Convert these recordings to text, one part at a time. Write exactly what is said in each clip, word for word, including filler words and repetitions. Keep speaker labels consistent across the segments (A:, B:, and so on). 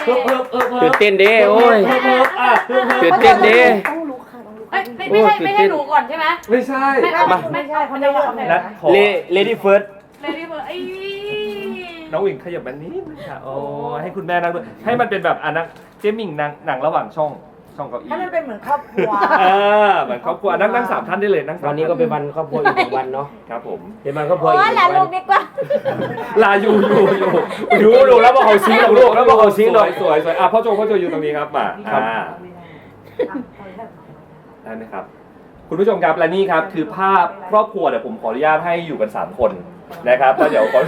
A: เพิ่มเพิ่มเพิ่ม
B: ตื่นเต้นดิโอ้ย
A: เพิ่มเพิ่มอ่ะเพิ่มเพิ่ม
B: ตื่นเต้นดิ
C: ต้องลุกค่ะต้องลุก
D: ไม่ไม่ใช่ไม่ใช่หนูก่อนใช่ไหม
A: ไม่ใช่
D: ไม่
C: ไม่ไม่ใช่เขาไม่เลือกเลย
A: นั
C: นะ
A: ดขอ
B: เลเลดี้เฟิร์ส
D: เลยที่เบอร์ไอ้
A: น้องหญิงขยับมานิดนึงค่ะโอ้ให้คุณแม่นั่งด้วยให้มันเป็นแบบอ่ะนั่งเจมิ่งนั่งหนังระหว่างช่องช่องเก้าอี้
C: ให้มันเป็นเหมือนครอบครัว
A: เออเหมือนครอบครัวนั่งนั่งสามท่านได้เลยนั่งสาม
B: วันนี้ก็เป็นวันครอบครัวอีกหนึ่งวันเนาะ
A: ครับผม
B: เป็นวันครอบครัว
E: โอ้
B: อีกห
E: หลา
B: นึ่
E: น
B: ง
E: ลู
B: วั
E: ก
B: น
E: ดีกว่า
A: ลาอยู่อยู่อยู่
B: ดูดูแล้วบอกเขาซิงหรอกลูกแล้วบอกเขาซิงหรอก
A: สวยสวยอ่ะพ่อโจพ่อโจอยู่ตรงนี้ครับมา
B: ครับ
A: อ่าได้ไหมครับ คุณผู้ชมครับและนี่ครับคือภาพครอบครัวเดี๋ยวผมขออนุญาตให้อยู่กันสามคนนะครับแล้วเดี๋ยวขอ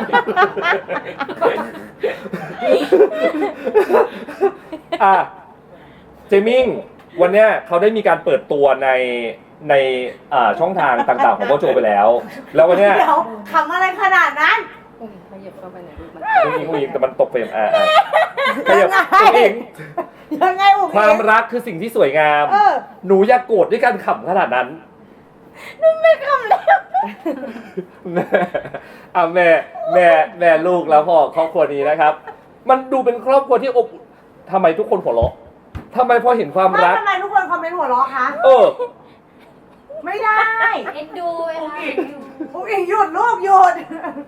A: อ่ะเจมิงวันเนี้ยเขาได้มีการเปิดตัวในในอ่าช่องทางต่างๆของพ่อโจไปแล้ว แล้ววันเนี้ย
C: เดี๋ยวทำอะไรขนาดนั้น
D: ขยับเข้าไปหน่อยลูกมัน
A: ผู้หญิงผู้หญิงแต่มันตกเฟรมอ่าอ่าขยับตัวเอง
C: ยังไงอุ้ม
A: ความรักคือสิ่งที่สวยงาม
C: เออ
A: หนูอย่าโกรธด้วยการขำขนาดนั้นหนูไม่ขำแล้วแม่อ่ะแม่แม่แม่ลูกแล้วพ่อครอบครัวนี้นะครับ มันดูเป็นครอบครัวที่อบอุ่นทำไมทุกคนหัวเราะทำไมพอเห็นความ
C: ไม่
A: รัก
C: ทำไมทุกคนคอมเมนต์หัวเราะคะ
A: เออ
C: ไม่ได้
E: เอ็นดูเวลา
C: อุ้ยหยุดลูกหยุด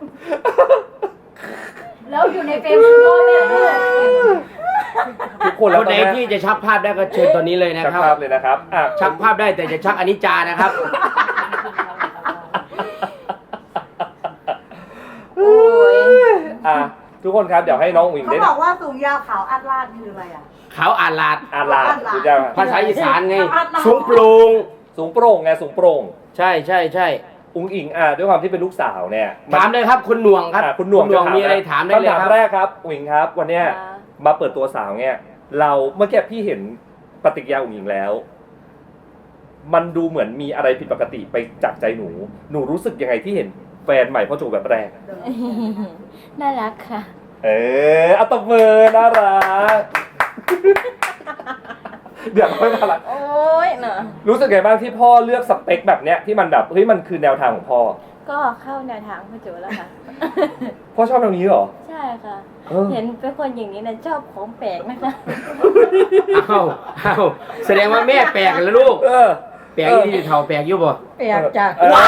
E: แล้วอยู่ในเฟรมคือพ่อแม่ด้วย
A: ทุกคน
B: ค
A: แล้ว
B: น
A: ต
B: ไหน
A: อนเนี้ย
B: ที่จะชักภาพได้ก็เชิญตอนนี้เลยนะ
A: ชัก
B: ครับ
A: ภาพเลยนะครับอ่ะ
B: ชักภาพได้แต่จะชักอนิจจานะครับ
E: โอ้ย
A: อ่ะทุกคนครับเดี๋ยวให้น้องวิง
C: เขา
A: ได้
C: บอกว่าสูงยาวขาวอัดลาดคืออะไรอ่ะ
B: เขาอ่านลาด
A: อ่านลาคุณจะ
B: ภาษาอีสานไง
C: อ่านลาด
B: สูงโปร่ง
A: สูงโปร่งไงสูงโปร่ง
B: ใช่ใช่ใช่
A: อุ้งอิงอ่ะด้วยความที่เป็นลูกสาวเนี่ย
B: ถามเลยครับคุณหน่วงครับ
A: อ่ะคุณหน่วง
B: หน่วง
A: จ
B: มีอะไรถามได้เลย
A: คำถาม
B: ครับ
A: แรกครับอุ๋งอิงครับ วันเนี้ยมาเปิดตัวสาวเนี่ยเราเมื่อกี้พี่เห็นปฏิกิริยาอุ๋งอิงแล้ว มันดูเหมือนมีอะไรผิดปกติไปจากใจหนู หนูรู้สึกยังไงที่เห็นแฟนใหม่พ่อโจแบบแรก
E: น่ารักค่ะ
A: เอออัตบมือน่ารัก เดี๋ยวไม่น่ารัก
E: โอ้ยเนอะ
A: รู้สึกไงบ้างที่พ่อเลือกสเปคแบบเนี้ยที่มันแบบเฮ้ยมันคือแนวทางของพ่อ
E: ก็เข้าแนวทางพ่อโจแล้วค่ะ
A: พ่อชอบแนวนี้เหรอ
E: ใช่ค่ะ
A: เออ
E: เห็นเป็นคนอย่างนี้นะชอบของแปลกนะคะ
B: อ้าวอ้าวแสดงว่าแม่แปลกกันแล้วลูก
A: เออ
B: แปลกที่เท่าแปลกอยู่บ่
C: เปียกจ้ะ
A: เออ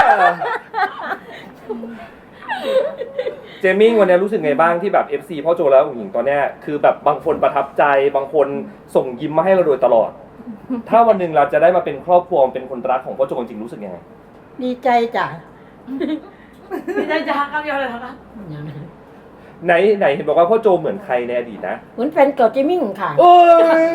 A: เจมิ่งวันนี้รู้สึกไงบ้างที่แบบ เอฟ ซี พ่อโจแล้วอุ๋งอิงตอนเนี้ยคือแบบบางคนประทับใจบางคนส่งยิ้มมาให้เราโดยตลอด ถ้าวันหนึ่งเราจะได้มาเป็นครอบครัวเป็นคนรักของพ่อโจจริงๆรู้สึกยังไง
C: ดีใจจ้ะ
D: ไม่ได้จะฮักคำเดียวเลยนะคะ
A: ไหนไหนเห็นบอกว่าพ่อโจเหมือนใครในอดีตนะ
C: เหมือนแฟนเก่าเจมิ่งค่ะ
A: โอ้ย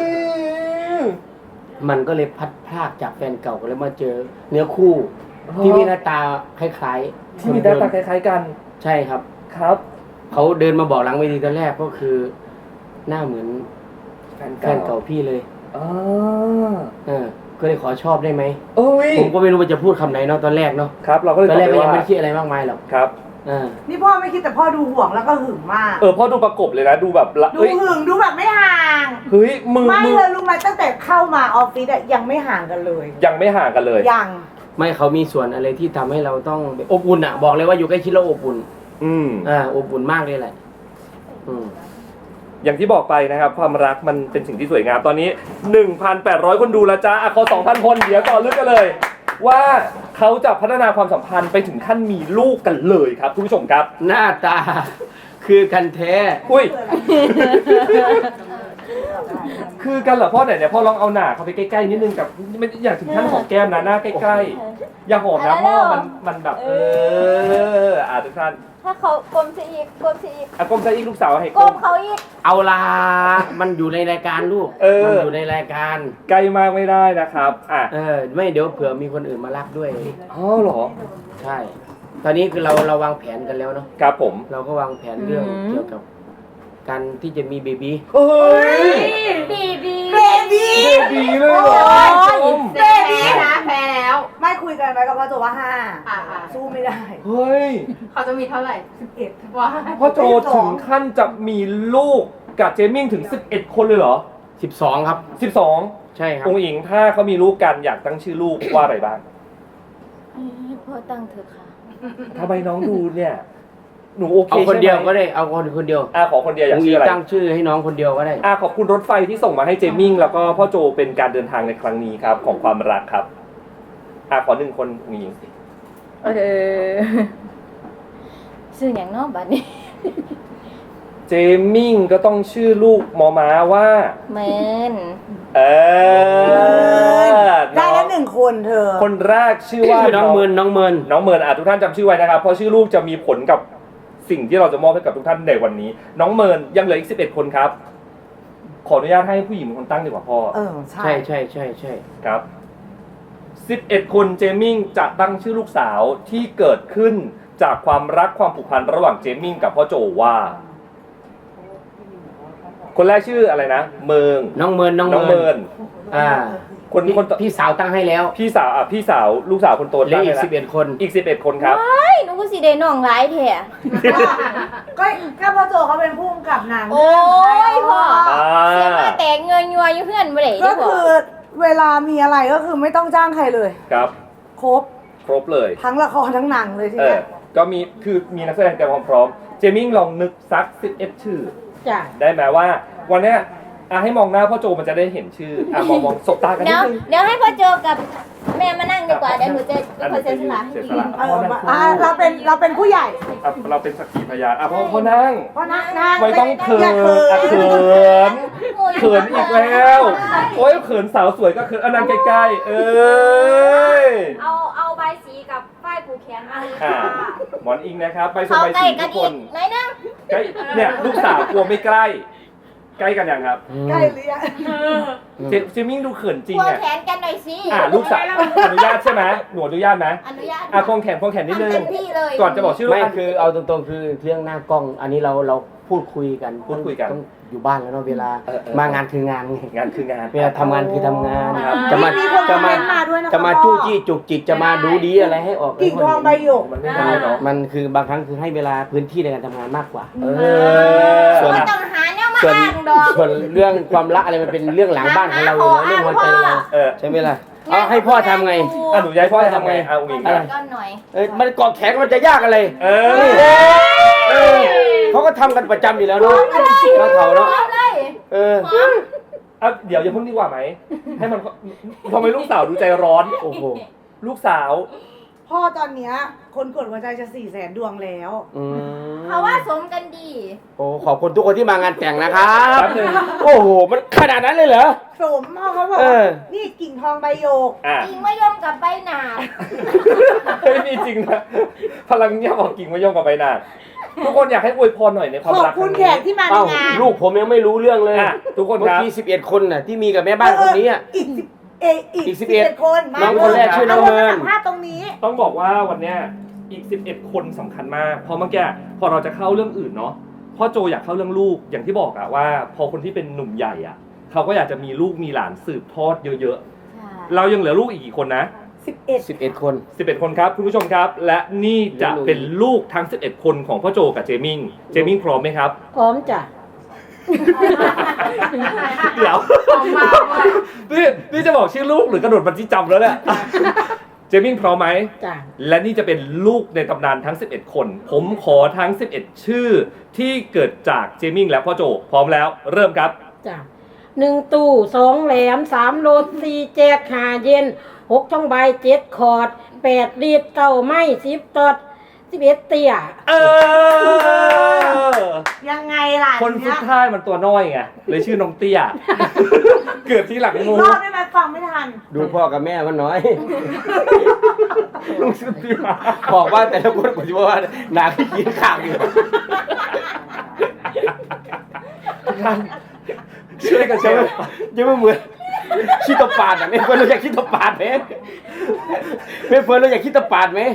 B: มันก็เลยพัดพรากจากแฟนเก่าก็เลยมาเจอเนื้อคู่ ที่มีหน้าตาคล้ายๆ
A: ที่มีหน้าตาคล้ายๆกัน
B: ใช่ครับ
A: ครับ
B: เขาเดินมาบอกหลังเวทีตอนแรกก็คือ หน้าเหมือน
A: แฟน
B: แฟ
A: เก่าน
B: เก่าพี่เลย
A: อ๋อ
B: เออ ก็เลยขอชอบได้ไหม
A: โอ้ย
B: ผมก็ไม่รู้ว่าจะพูดคำไหนเนาะตอนแรกเนาะ
A: ครับเราก็เลย
B: ตอนแรกก็
A: บ
B: ยัง
A: ว่า
B: ไม่คิดอะไรมากมายหรอก
A: ครับ
B: เออ
C: นี่พ่อไม่คิดแต่พ่อดูห่วงแล้วก็หึงมาก
A: เออพ่อดูประกบเลยนะดูแบบละ
C: ดู
A: เฮ้ย
C: หึงดูแบบไม่ห่าง
A: เฮ้ยมือ
C: ไม่
A: มือ
C: เลยรู้ไหมตั้งแต่เข้ามาออฟฟิศอะยังไม่ห่างกันเลย
A: ยังไม่ห่างกันเลย
C: ยัง
B: ไม่เขามีส่วนอะไรที่ทำให้เราต้องอบอุ่นอ่ะ บอกเลยว่าอยู่ใกล้ชิดแล้วอบอุ่น
A: อืม
B: อ่าอบอุ่นมากเลยแหละ อืม
A: อย่างที่บอกไปนะครับความรักมันเป็นสิ่งที่สวยงามตอนนี้ หนึ่งพันแปดร้อย คนดูแล้วจ้าอ่ะเขาสองพัน คนเดี๋ยวต่อเรื่องกันเลย ว่าเขาจะพัฒนาความสัมพันธ์ไปถึงขั้นมีลูกกันเลยครับคุณผู้ชมครับ
B: หน้าตา คือกันแท้
A: อุ้ย คือกันเหรอพ่อไหนเนี่ยพ่อลองเอาหน้าเขาไปใกล้ๆนิดนึงกับไม่อยากถึงขั้นหอมแก้มนะหน้าใกล้ๆอย่าหอมนะพ่อมันมันแบบเอออ่ะทุกท่าน
E: ถ้าเขากลมซะอีกกลมซะอีก
A: อ่ะก้มซะอีกลูกสาวให้
E: กล
A: ก้
E: ม
A: ม
E: เขาอีก
B: เอาลา มันอยู่ในรายการลูก
A: เออ
B: มันอยู่ในรายการ
A: ใกล้มากไม่ได้นะครับอ่ะ
B: เออ ไม่เดี๋ยวเผื่อมีคนอื่นมารักด้วย
A: อ๋อเหรอ
B: ใช่ ตอนนี้คือเราเราวางแผนกันแล้วเนาะ
A: ครับผม
B: เราก็วางแผนเรื่องเกี่ยวกับการที่จะมีเบบี
A: เฮ้ย
E: บีบี
C: เบบี
A: เบบีเลยเหรอชม
C: เบบี
D: นะแพ้แล้ว
C: ไม่คุยกันไว้กับพ่อโจว่าห้า
D: อ่าอ่า
C: สู้ไม่ได้
A: เฮ้ย
D: เขาจะมีเท่าไหร่
C: สิบเอ็ด
D: ว้า
A: พ่อโจถึงขั้นจะมีลูกกับเจมิ่งถึงสิบเอ็ดคนเลยเหรอ
B: สิบสองครับ
A: สิบสอง
B: ใช่ครับ
A: องค์หญิงถ้าเขามีลูกกันอยากตั้งชื่อลูกว่าอะไรบ้าง
E: ให้พ่อตั้งเถอะค่ะ
A: ทำไมน้องดูเนี่ยหนูโอเค
B: เอาคนเดียว
A: ใช่ไหม
B: ก็ได้เอาคนคนเดียว
A: อ่ะขอคนเดียวอยาก
B: อุ้ง
A: ชื่
B: อิ
A: อง อะไร
B: ตั้งชื่อให้น้องคนเดียวก็ได้
A: อ่ะขอบคุณรถไฟที่ส่งมาให้เจมิ่งแล้วก็พ่อโจเป็นการเดินทางในครั้งนี้ครับของความรักครับอ่ะขอหนึ่งคนอุ้งอิง
E: เออชื่ออย่างเนอกบัดนี้
A: เจมิ่งก็ต้องชื่อลูกมอม้าว่า
E: เมน
A: เออ
C: ได้แล้วหนึ่งคนเธอ
A: คนแรกชื่อว่า
B: ชื่อน้องเมินน้องเมิน
A: น้องเมินอ่ะทุกท่านจำชื่อไว้นะครับเพราะชื่อลูกจะมีผลกับสิ่งที่เราจะมอบให้กับทุกท่านในวันนี้ น้องเมินยังเหลืออีกสิบเอ็ดคนครับ ขออนุญาตให้ผู้หญิงเป็นคนตั้งดีกว่าพ่อ
C: เออ ใช่
B: ใช่ใช่ใช่ใช่
A: ครับสิบเอ็ดคนเจมิ่งจะตั้งชื่อลูกสาวที่เกิดขึ้นจากความรักความผูกพันระหว่างเจมิ่งกับพ่อโจว่า คนแรกชื่ออะไรนะเมิง
B: น้องเมินน้อง
A: น้อง
B: เมิ
A: เมิ
B: น
A: น
B: อ่า
A: คน
B: พี่
A: คนต่อ
B: พี่สาวตั้งให้แล้ว
A: พี่สาวอ่ะพี่สาวลูกสาวคนโต
B: เหลือ
A: ตั้ง
B: อี
A: ให้
B: ก
A: แล้ว
B: สิบเอ็ดคน
A: อีกสิบเอ็ดคนครับ
E: เฮ้ยหนูก็สิได้น้องหลายแท้
C: ก็ก็พ่อโจเขาเป็นผู้กำกับหนัง
E: โอ้ยพ่อ
A: อ่า
E: เสียมาแตกเงินยัวอยู่เพื่อนบ่ได้
C: ก็
E: เด้อพ่อ
C: คือเวลามีอะไรก็คือไม่ต้องจ้างใครเลย
A: ครับ
C: ครบ
A: ครบเลย
C: ทั้งละครทั้งหนังเลยที
A: เอ
C: เนี้
A: อย ก็มีคือมีนักแสดงเตรียมความพร้อมเจมิ่งลองนึกสักสิบเอ็ดชื่อ
C: จ้ะ
A: ได้ไหมว่า วันเนี้ยอ่ะให้มองหน้าพ่อโจมันจะได้เห็นชื่ออ่ะมองมองสบตากันนิ
E: เดี๋
A: ด
E: ยว
A: นึง
E: เดี๋ยวให้พ่อโจกับแม่มานั่งดีกว่าเดี๋ยวหนูจะเป็นคนเซ็นสละ
A: เสียสละ
C: เอออ่ะเราเป็นเราเป็นผู้ใหญ่
A: อ่ะเราเป็นสักขีพยานอ่ะพ่อพ่อนั่ง
C: เพราะนั่งนั่ง
A: ไม่ต้องเขิน
C: อย่า
A: อ่ะ
C: เขิ
A: เขิ
C: น
A: นเขินอีกแล้วโอ้ยเขินสาวสวยก็เขินอันนั้นใกล้ๆเอ้ย
D: เอาเอาใบสีกับป้ายผูกแขนมาเลย
A: อ่ะ
D: ค่ะ
A: หมอนอิงนะครับไปส
E: เขา
A: บาย
E: ใกล้
A: สี
E: กั
A: ทุ
E: น
A: กค
E: อีก
A: น
E: ไหนนะ
A: ใกล้เนี่ยลูกสาวกลัวไม่ใกล้ ใกล้กันยังครับ
C: ใกล้หรือยัง
A: เจเจมิ่งดูเขินจริง
E: ควง
A: อ่ะ
E: แขนกันหน่อยสิ
A: อ่ะลูกสาวอนุญาตใช่ไหมหนูอนุญาตไหม
E: อนุญาต
A: อ่ะควงแขนควงแขนนิดนึ
E: ทำเต็
A: ง
E: มที่เลย
A: ก่อนจะบอกชื่อลูก
B: ไม่
A: อ่ะ
B: คือเอาตรงๆคือเรื่องหน้ากล้อง อันนี้เราเราพูดคุยกัน
A: พูดคุยกัน
B: ต้องอยู่บ้านแล้วเนาะเวลา
A: เออเออ
B: มางานคืองานไง
A: งานคืองาน
B: เวลาทำงานคือทำงาน
A: ครับ
B: จะมา
C: มีคน
B: จะ
C: คอมเม
B: มาน
C: ต์มาด้วยนะคะ
B: จะมา
C: พ่อ
B: จู้จี้จุกจิกจะมาดูดีอะไรให้ออก
C: กิ่งทองใบหยก
A: มันไม่ได้เนาะ
B: มันคือบางครั้งคือให้เวลาพื้นที่ในการทำงานมากกว่า
A: เออ
B: ส่วน
E: ไม่ต้องหาแนวมา
B: ส่วน
E: อ้างดอก
B: ส่วนเรื่องความรักอะไรมันเป็นเรื่องหลังบ้านของเราอยู่แล้วเรื่องหัวใจเรา
A: เออ
B: ใช่ไหมล่ะเอาให้พ่อทำไง
A: อ่ะหนูย้ายพ่อทำไงอ่ะอุ้งอิง
B: อะไร
E: ก้อนหน่อย
B: เอ้ยมันกอดแขนมันจะยากอะไร
A: เออ
B: เออเขาก็ทำกันประจำอยู่แล้วเนาะน้องเขาเนาะ
E: เอาเลย
B: เออ
E: หอม
A: อ่ะเดี๋ยวอย่าเพิ่งดีกว่าไหมให้มันทำไมลูกสาวดูใจร้อน
B: โอ้โห
A: ลูกสาว
C: พ่อตอนเนี้ยคนกดหัวใจจะสี่แสนดวงแล้ว
B: อืม
E: เขาว่าสมกันดี
B: โอ้ขอบคุณทุกคนที่มางานแต่งนะครับ
A: แป๊บนึง
B: โอ้โหมันขนาดนั้นเลยเหรอ
C: สมพ่อเขาบอก
B: เออ
C: ว่านี่กิ่งทองใบหยก
A: อ่ะ
E: จริงมะยมกับใบหนาด
A: เฮ้ยมีจริงนะพลังเงียบบอกกิ่งไม่ยอมกับใบหน้าทุกคนอยากให้อวยพรหน่อยในความ
C: ขอบ
A: รัก
C: คุณ
A: รั้
C: แข
A: ง
C: ก
A: นี้
C: ที่มาใน
B: เอ้าง
C: าน
B: ลูกผมยังไม่รู้เรื่องเลย
A: อ่ะทุกคน
B: เมื่อ
A: ครับ
B: กี้สิบเอ็ดคนน่ะที่มีกับแม่บ้านคนนี้อ่ะ
C: อีกสิบเออีก
B: อีกสิ
C: สิ
B: บบ เอ็
C: เอ็
B: ด
C: ดคนมา
B: น้องคนแรกชื่อน้องเมิน
C: าสัมภาษณ์ตรงนี้
A: ต้องบอกว่าวันเนี้ยอีกสิบเอ็ดคนสำคัญมากเพราะเมื่อกี้พอเราจะเข้าเรื่องอื่นเนาะพ่อโจอยากเข้าเรื่องลูกอย่างที่บอกอะว่า พอคนที่เป็นหนุ่มใหญ่อะเขาก็อยากจะมีลูกมีหลานสืบทอดเยอะๆเรายังเหลือลูกอีกกี่คนนะ
C: สิบเอ็ด
B: สิบเอ็ดคน
A: สิบเอ็ดคนครับคุณผู้ชมครับ และนี่จะเป็นลูกทั้งสิบเอ็ดคนของพ่อโจกับเจมิงเจมิงพร้อมไหมครับ
E: พร้อมจ้ะ
A: เดี๋ยวนี่นี่จะบอกชื่อลูกหรือกระโดดบันจี้จำแล้วเนี่ยเจมิงพร้อมไหม
E: จ้ะ
A: และนี่จะเป็นลูกในตำนานทั้งสิบเอ็ดคน ผมขอทั้งสิบเอ็ดชื่อที่เกิดจากเจมิงและพ่อโจพร้อมแล้วเริ่มครับ
F: จ้ะหนึ่งตู้สองแหลมสามโลสี่แจกหาเย็นหกช่องใบเจ็ดคอร์ดแปดดีดเก้าไม้สิบตอดสิบเอ็ดเตี่ย
A: เออ
C: ยังไงล่ะ
A: คนสุ
C: เนี้
A: ด
C: ย
A: ท้ายมันตัวน้อยไงเลยชื่อน้องเตี้ย เกิดที่หลัง
C: อีก
A: งู
C: รอบได้ไหมฟังไม่ทัน
B: ดูพ่อกับแม่มันน้อย
A: ลูกชื่อเตี้ย
B: บอกว่าแต่ละคนผมจะบอกว่าหนาขี้กินข้าวอยู่
A: ช่วยกันแช
B: จะ
A: ร์
B: ไม่จะไม่เหมือนขี้ตะปาดอ่ะไม่เฟิร์นเราอยากขี้ตะปาดไหมไม่เฟิร์นเราอยากขี้ตะปาดไหม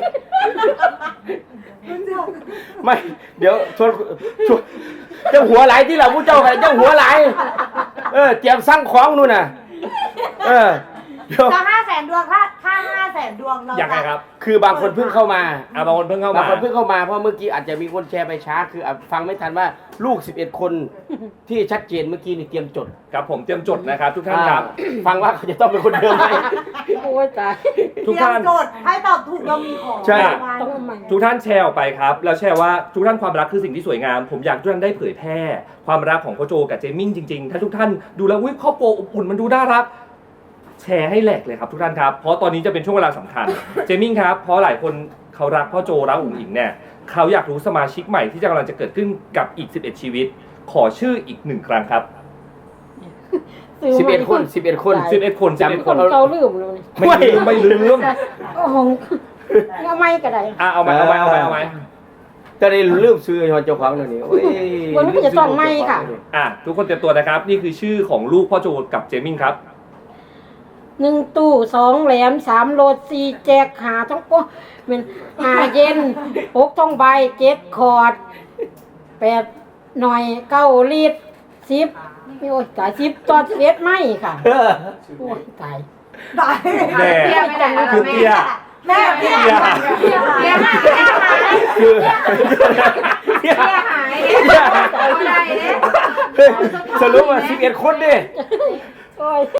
B: ไม่เดี๋ยวชวนชวนเจ้าหัวไหลที่เราผู้เจ้าไปเจ้าหัวไหลเออเตรียมสั่งของนู่นน่ะเออ
C: ถ้าห้าแสนดวงถ้าถ้าห้าแสนดวงเรา
A: ยังไงครับ
B: คือบางคนเพิ่งเข้ามา
A: อ่ะบางคนเพิ่งเข้า
B: บาง
A: มา
B: คนเพิ่งเข้ามาเพราะเมื่อกี้อาจจะมีคนแชร์ไปช้าคืออ่ะฟังไม่ทันว่าลูกสิบเอ็ดคนที่ชัดเจนเมื่อกี้นี่เตรียมจด
A: ครับผมเตรียมจดนะครับ ทุกท่านครับ
B: อ่าฟังว่าเขาจะต้องเป็นคนเดิมไหม
F: โอ้ยตาย
A: ทุกท่าน
C: เตรียมโจทย์ให้ตอบถูกเรามีของ
B: ใช่
F: ต้องเอาใหม่
A: ทุกท่านแชร์ออกไปครับ แล้วแชร์ว่าทุกท่านความรักคือสิ่งที่สวยงาม ผมอยากให้ทุกท่านได้เผยแพร่ความรักของพ่อโจกับเจมิ่งจริงๆ ถ้าทุกท่านดูแล้วอุ้ยครอบครัวอบอุ่นมันดูน่ารัก แชร์ให้แหลกเลยครับทุกท่านครับ เพราะตอนนี้จะเป็นช่วงเวลาสำคัญ เจมิ่งครับ เพราะหลายคนเขารักพ่อโจรักอุ๋งอิงเนี่ยเขาอยากรู้สมาชิกใหม่ที่จะกำลังจะเกิดขึ้นกับอีกสิบเอ็ดชีวิต ขอชื่ออีกหนึ่งครั้งครับ
B: สิบเอ็ดคนสิบเอ็ดคน
A: สิบเอ็ดคนสิบเอ็ด
F: ค
A: คน
F: นเกาลืมเลย
A: ไม่ลืมไม่ลืม
F: โอ้โหเอาไม่ก็ได้
A: อ่ะเอาไหมเอาไหมเอาไหมเอาไหม
B: จะได้ลืมซื้อเจ้าของเดี๋ยวนี้โอ้ย
F: วันนี้ก็จะต้องไม่ค่ะ
A: อ่ะทุกคนเตรียมตัวนะครับ นี่คือชื่อของลูกพ่อโจกับเจมิ่งครับ
F: หนึ่งตู้สองแหลมสามโลสี่แจกหาต้องโอ้เป็นหาเย็นหกต้องใบเจ็ดคอร์ดแปดหน่อยเก้าลิตรสิบโอ้ยตายสิบต่อสิบเอ็ดไม่ค่ะ
B: เออ
F: โอ้ยตาย
C: ได้
A: แม่
D: เตี้ยไม่ได้แล้ว
A: คือเตี้ย
C: แม่พี่
A: เตี้ย
D: เตี้ยหายเตี้ยหาย
B: คือ
D: เตี้ยหายเนี่ยเอาได้เนี่ย
B: สรุปว่าสิบเอ็ดคนดิ
F: โอ้ย